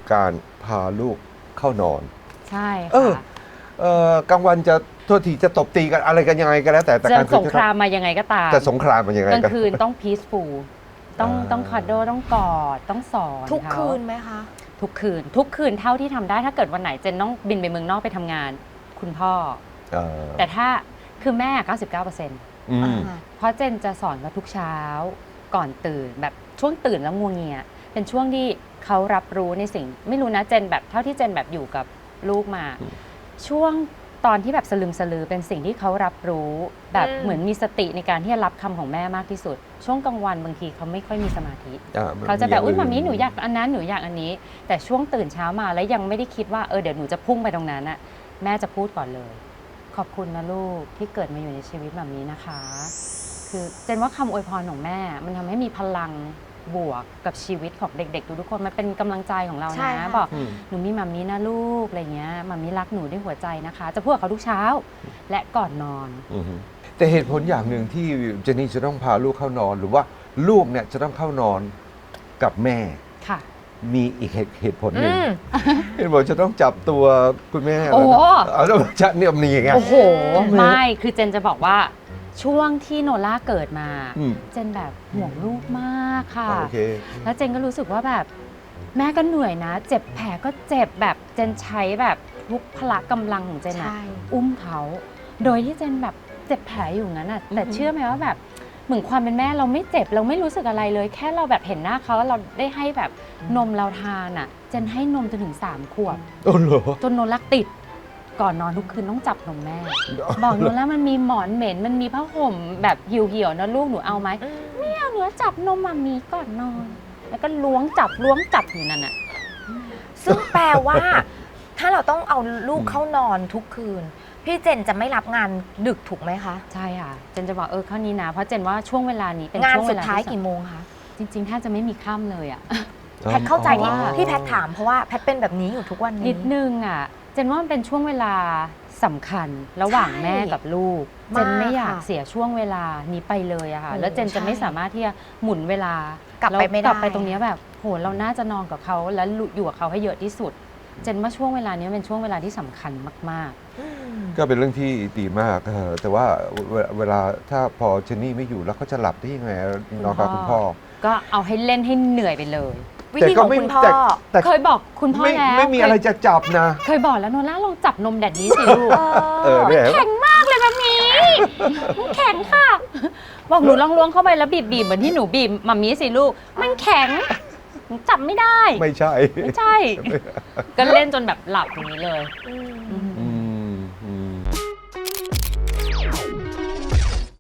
การพาลูกเข้านอนใช่ค่ะกลางวันจะโทษทีจะตบตีกันอะไรกันยังไงก็แล้วแต่จะกลางคืนสงครามมายังไงก็ตามจะสงครามมันยังไงกลางคืนต้อง peaceful ต้องคอดโดต้องกอดต้องสอนทุกเขาคืนไหมคะทุกคืนเท่าที่ทำได้ถ้าเกิดวันไหนเจนต้องบินไปเมืองนอกไปทำงาน คุณพ่อ แต่ถ้าคือแม่ 99% เพราะเจนจะสอนเขาทุกเช้าก่อนตื่นแบบช่วงตื่นแล้วงัวเงียเป็นช่วงที่เขารับรู้ในสิ่งไม่รู้นะเจนแบบเท่าที่เจนแบบอยู่กับลูกมา ช่วงตอนที่แบบสลึมสลือเป็นสิ่งที่เขารับรู้แบบเหมือนมีสติในการที่จะรับคำของแม่มากที่สุด ช่วงกลางวันบางทีเขาไม่ค่อยมีสมาธิเขาจะแบบอุ้ยมามีหนูอยากอันนั้นหนูอยากอันนี้ แต่ช่วงตื่นเช้ามาแล้วยังไม่ได้คิดว่าเดี๋ยวหนูจะพุ่งไปตรงนั้นอะแม่จะพูดก่อนเลยขอบคุณนะลูกที่เกิดมาอยู่ในชีวิตแบบนี้นะคะคือเจนว่าคำอวยพรของแม่มันทำให้มีพลังบวกกับชีวิตของเด็กๆทุกคนมันเป็นกำลังใจของเราใช่นะค่ะบอกหนูมีมัมมี่นะลูกอะไรเงี้ยมัมมี่รักหนูด้วยหัวใจนะคะ จะพูดกับเขาทุกเช้าและก่อนนอนแต่เหตุผลอย่างหนึ่งที่เจนนี่จะต้องพาลูกเข้านอนหรือว่าลูกเนี่ยจะต้องเข้านอนกับแม่ค่ะมีอีกเหตุผลหนึ่งเห็นบอกจะต้องจับตัวคุณแม่โอ้แล้วจะเนี่ยมันอย่างเงี้ยโอ้โหไม่คือเจนจะบอกว่าช่วงที่โนล่าเกิดมาเจนแบบห่วงลูกมากค่ะโอเคแล้วเจนก็รู้สึกว่าแบบแม่ก็เหนื่อยนะ เจ็บแผลก็เจ็บแบบเจนใช้แบบทุกพละกำลังของเจนอะใช่อุ้มเขาโดยที่เจนแบบเจ็บแผลอยู่งั้นอะแต่เชื่อไหมว่าแบบเหมือนความเป็นแม่เราไม่เจ็บเราไม่รู้สึกอะไรเลย แค่เราแบบเห็นหน้าเขาแล้วเราได้ให้แบบนมเราทานอะเจนให้นมจนถึง3 ขวบโอ้โหจนโนล่าติดก่อนนอนทุกคืนต้องจับนมแม่ บอกโนล่ามันมีหมอนเหม็นมันมีผ้าห่มแบบเหี่ยวๆนะลูกหนูเอาไหมไม่เอาหนูจับนมมามีก่อนนอน แล้วก็ล้วงจับอยู่นั่นน่ะซึ่งแปลว่า ถ้าเราต้องเอาลูกเข้านอนทุกคืน พี่เจนจะไม่รับงานดึกถูกไหมคะใช่ค่ะเจนจะบอกข้อนี้นะเพราะเจนว่าช่วงเวลานี้เป็นงานช่วงสุเวดลาท้ายที่กี่โมงคะจริงๆแทบจะไม่มีค่ำเลยอ่ะแพทเข้าใจที่อ๋อที่แพทถามเพราะว่าแพทเป็นแบบนี้อยู่ทุกวันนี้นิดนึงอ่ะเจนว่ามันเป็นช่วงเวลาสำคัญระหว่างใช่แม่กับลูก เจนไม่อยากค่ะเสียช่วงเวลานี้ไปเลยอะค่ะโอ้แล้วเจนจะใช่ไม่สามารถที่จะหมุนเวลากลับไปไม่ได้กลับไปตรงเนี้ยแบบโหเราน่าจะนอนกับเขาแล้วอยู่กับเขาให้เยอะที่สุด เจนว่าช่วงเวลานี้เป็นช่วงเวลาที่สำคัญมากก็เป็นเรื่องที่ดีมากแต่ว่าเวลาถ้าพอเจนนี่ไม่อยู่แล้วเขาจะหลับได้ยังไงนอนกับคุณพ่อๆ ก็เอาให้เล่นให้เหนื่อยไปเลยวิธีของคุณพ่อแต่เคยบอกคุณพ่อแล้วไม่มีอะไรจะจับนะเคยบอกแล้วโนล่าลองจับนมแดดนี้สิลูกเนี่ยแข็งมากเลยแบบนี้มันแข็งค่ะ บอกหนูลองล้วงเข้าไปแล้วบีบเหมือนที่หนูบีบมัมมี่สิลูก มันแข็งหนูจับไม่ได้ไม่ใช่ไม่ใช่ ก็เล่นจนแบบหลับอย่างนี้เลยอืมอือหื